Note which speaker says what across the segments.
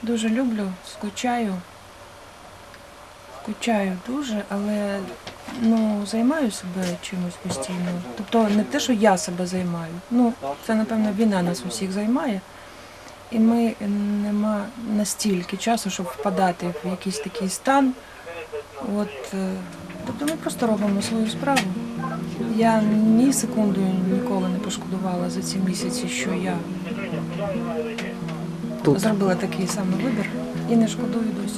Speaker 1: Дуже люблю, скучаю. Скучаю дуже, але займаю себе чимось постійно. Тобто не те, що я себе займаю. Це, напевно, війна нас усіх займає. І ми нема настільки часу, щоб впадати в якийсь такий стан. Тобто ми просто робимо свою справу. Я ні секунду ніколи не пошкодувала за ці місяці, що я зробила такий самий вибір і не шкодую досі.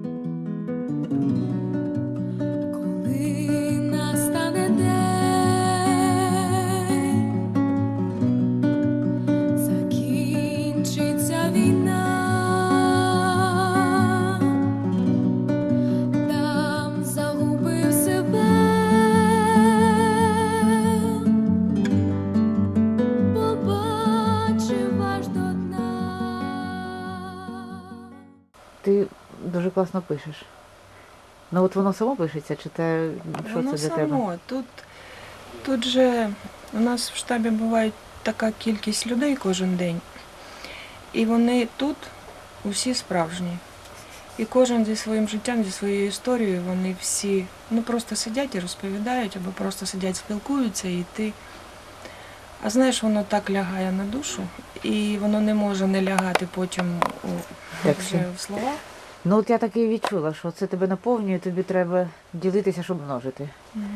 Speaker 2: Ти дуже класно пишеш. От воно само пишеться, чи те, що
Speaker 1: Воно
Speaker 2: це для тебе?
Speaker 1: само. Тут же у нас в штабі буває така кількість людей кожен день. І вони тут усі справжні. І кожен зі своїм життям, зі своєю історією, вони всі просто сидять і розповідають, або просто сидять, спілкуються, і ти. А знаєш, воно так лягає на душу, і воно не може не лягати потім вже в слова.
Speaker 2: От я так і відчула, що це тебе наповнює, тобі треба ділитися, щоб множити.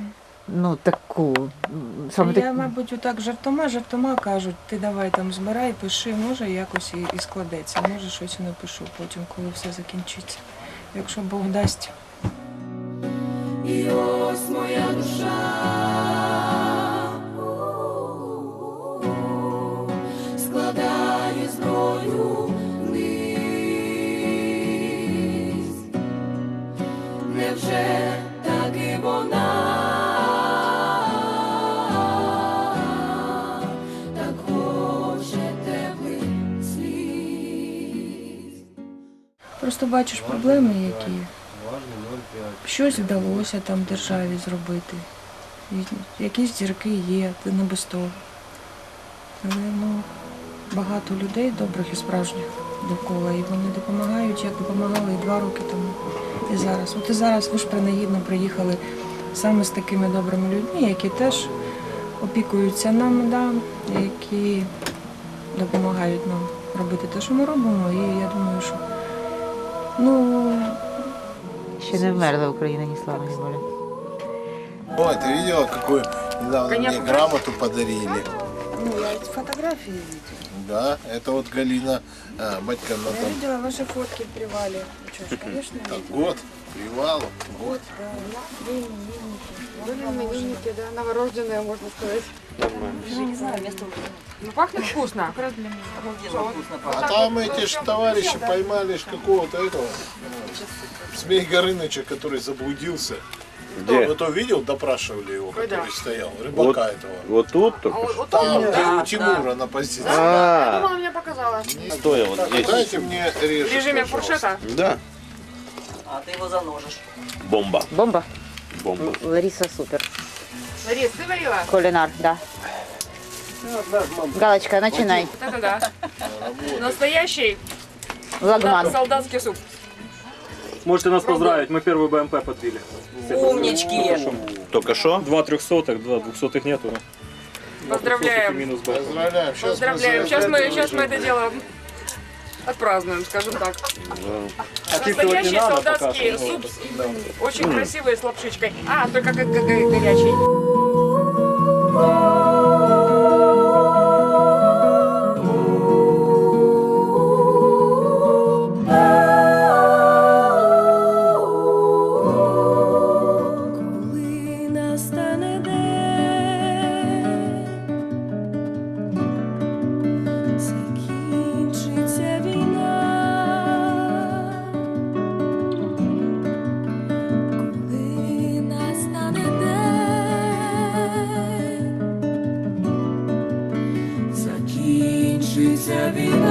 Speaker 1: Я, мабуть, отак жартома кажуть, ти давай там збирай, пиши, може якось і складеться, може щось і напишу потім, коли все закінчиться, якщо Бог дасть. І ось моя душа складає зброю вниз. Невже так і вона так хоче теплих сліз? Просто бачиш проблеми, які щось вдалося там державі зробити. Якісь зірки є, це не без того. Але багато людей добрих і справжніх довкола, і вони допомагають, як допомагали і 2 роки тому, і зараз. І зараз ви ж принагідно приїхали саме з такими добрими людьми, які теж опікуються нами, які допомагають нам робити те, що ми робимо. І я думаю, що
Speaker 2: ще не вмерла Україна, ні слава, ні воля.
Speaker 3: Ой, ты видела, какую недавно мне грамоту подарили?
Speaker 1: Я эти фотографии видела.
Speaker 3: Да, это вот Галина Батькана
Speaker 1: Я
Speaker 3: там.
Speaker 1: видела ваши фотки в привале. Что ж, конечно,
Speaker 3: Так,
Speaker 1: видела.
Speaker 3: год, привал, год.
Speaker 1: Да,
Speaker 4: Именинники, да, новорожденные, можно сказать.
Speaker 1: я не знаю, место
Speaker 4: Пахнет вкусно.
Speaker 3: А там эти ж товарищи поймали ж какого-то этого Змей Горыныча, который заблудился.
Speaker 5: Где?
Speaker 3: Кто видел, допрашивали его, который стоял, рыбака этого.
Speaker 5: Вот тут только что?
Speaker 3: Там, где у Тимура на позиции.
Speaker 4: Я думала, мне показала.
Speaker 5: Стоя вот
Speaker 3: Так,
Speaker 5: здесь.
Speaker 3: дайте мне
Speaker 4: В
Speaker 3: режим,
Speaker 4: режиме
Speaker 3: пожалуйста.
Speaker 4: фуршета.
Speaker 5: Да.
Speaker 6: А ты его заложишь.
Speaker 5: Бомба.
Speaker 2: Бомба?
Speaker 5: Бомба.
Speaker 2: Лариса супер.
Speaker 4: Ларис, ты варила?
Speaker 2: Кулинар, да. Галочка, начинай.
Speaker 4: Вот это да. Настоящий
Speaker 2: Лагман.
Speaker 4: солдатский суп.
Speaker 7: Можете нас поздравить, мы первый БМП подбили.
Speaker 6: Умнички.
Speaker 5: Только что?
Speaker 7: 2 300-х, 2 200-х нету. Да?
Speaker 4: Поздравляем.
Speaker 7: Минус БМП.
Speaker 3: Поздравляем.
Speaker 4: Поздравляем. Сейчас мы это дело отпразднуем, скажем так. Настоящий солдатский суп, очень красивый, с лапшичкой. Только как горячий.
Speaker 1: Закінчиться війна.